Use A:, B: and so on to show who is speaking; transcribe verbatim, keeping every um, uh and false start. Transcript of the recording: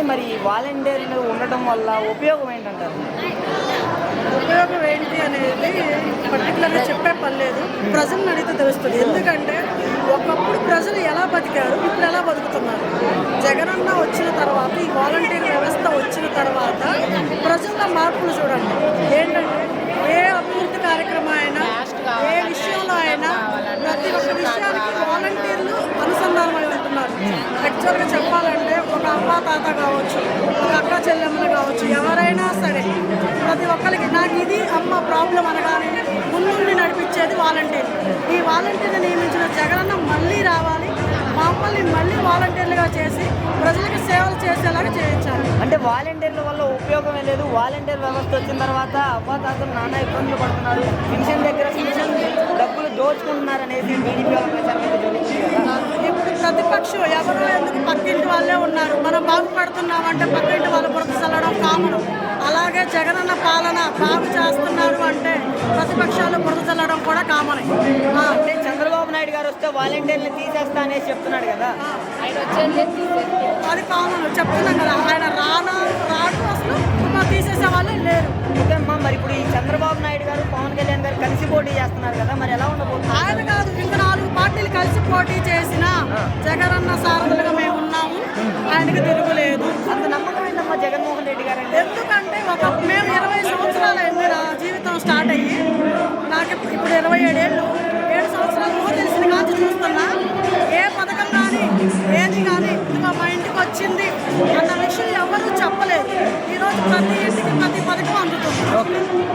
A: మరి ఈ వాలంటీర్లు ఉండటం వల్ల ఉపయోగం ఏంటంటారు?
B: ఉపయోగం ఏంటి అనేది పర్టికులర్గా చెప్పే పని లేదు, ప్రజలను అడిగితే తెలుస్తుంది. ఎందుకంటే ఒకప్పుడు ప్రజలు ఎలా బతికారు, ఇప్పుడు ఎలా బతుకుతున్నారు. జగనన్న వచ్చిన తర్వాత, ఈ వాలంటీర్ వ్యవస్థ వచ్చిన తర్వాత ప్రజల్లో మార్పులు చూడండి. ఏంటంటే ఏ అభివృద్ధి కార్యక్రమం అయినా, ఏ విషయంలో అయినా ప్రతి ఒక్క విషయానికి వాలంటీర్లు అనుసంధానమై ఉంటున్నారు. యాక్చువల్గా చెప్పాలంటే ఒక అవ్వ తాత కావచ్చు, ఒక అక్క చెల్లెమ్మలు కావచ్చు, ఎవరైనా సరే ప్రతి ఒక్కరికి నాకు ఇది అమ్మ ప్రాబ్లం అనగానే ముందుండి నడిపించేది వాలంటీర్. ఈ వాలంటీర్ని నియమించిన జగనన్న మళ్ళీ రావాలి, మమ్మల్ని మళ్ళీ వాలంటీర్లుగా చేసి ప్రజలకు సేవలు చేసేలాగా చేయించాలి.
A: అంటే వాలంటీర్ల వల్ల ఉపయోగమే లేదు, వాలంటీర్ వ్యవస్థ వచ్చిన తర్వాత అవ్వాతాతలు నానా ఇబ్బందులు పడుతున్నారు, పెన్షన్ దగ్గర పెన్షన్ డబ్బులు దోచుకుంటున్నారు అనేసి టీడీపీ వాళ్ళ ప్రచారం అయితే జరుగుతుంది కదా.
B: ఇప్పుడు ప్రతిపక్షం ఎవరో ఎందుకు పక్కింటి వాళ్ళే ఉన్నారు, మనం బాగుపడుతున్నామంటే పక్కింటి వాళ్ళ బురద చల్లడం కామను. అలాగే జగనన్న పాలన బాగు చేస్తున్నారు అంటే ప్రతిపక్షాలు బురద చల్లడం కూడా కామనే.
A: అంటే చంద్రబాబు నాయుడు గారు వస్తే వాలంటీర్లు తీసేస్తా అనేసి చెప్తున్నాడు కదా,
B: అది కామన్ చెప్తున్నాం కదా. ఆయన రానా రాడు అసలు తీసేసే వాళ్ళే లేరు.
A: ఓకే అమ్మా, మరి ఇప్పుడు ఈ చంద్రబాబు నాయుడు గారు పవన్ కళ్యాణ్ గారు కలిసి పోటీ చేస్తున్నారు కదా, మరి ఎలా ఉండబోతుంది?
B: ఆయన కాదు, ఇంకా నాలుగు పార్టీలు కలిసి పోటీ చేసిన జగనన్న సారథులుగా మేము ఉన్నాము, ఆయనకు తిరుగులేదు.
A: అంత నమ్మకం ఏంటమ్మా జగన్మోహన్ రెడ్డి గారు?
B: ఎందుకంటే ఒక మేము ఇరవై సంవత్సరాలు అయింది నా జీవితం స్టార్ట్ అయ్యి, నాకు ఇప్పుడు ఇరవై ఏడేళ్ళు ఏడు సంవత్సరాలు ఊహ తెలిసిన కాంచి చూస్తున్నా. ఏ పథకం కానీ ఏది కానీ ఇదిగో మా ఇంటికి వచ్చింది అన్న విషయం ఎవరు చెప్పలేదు. ఈరోజు ప్రతి ఇంటికి ప్రతి పథకం అందుతుంది.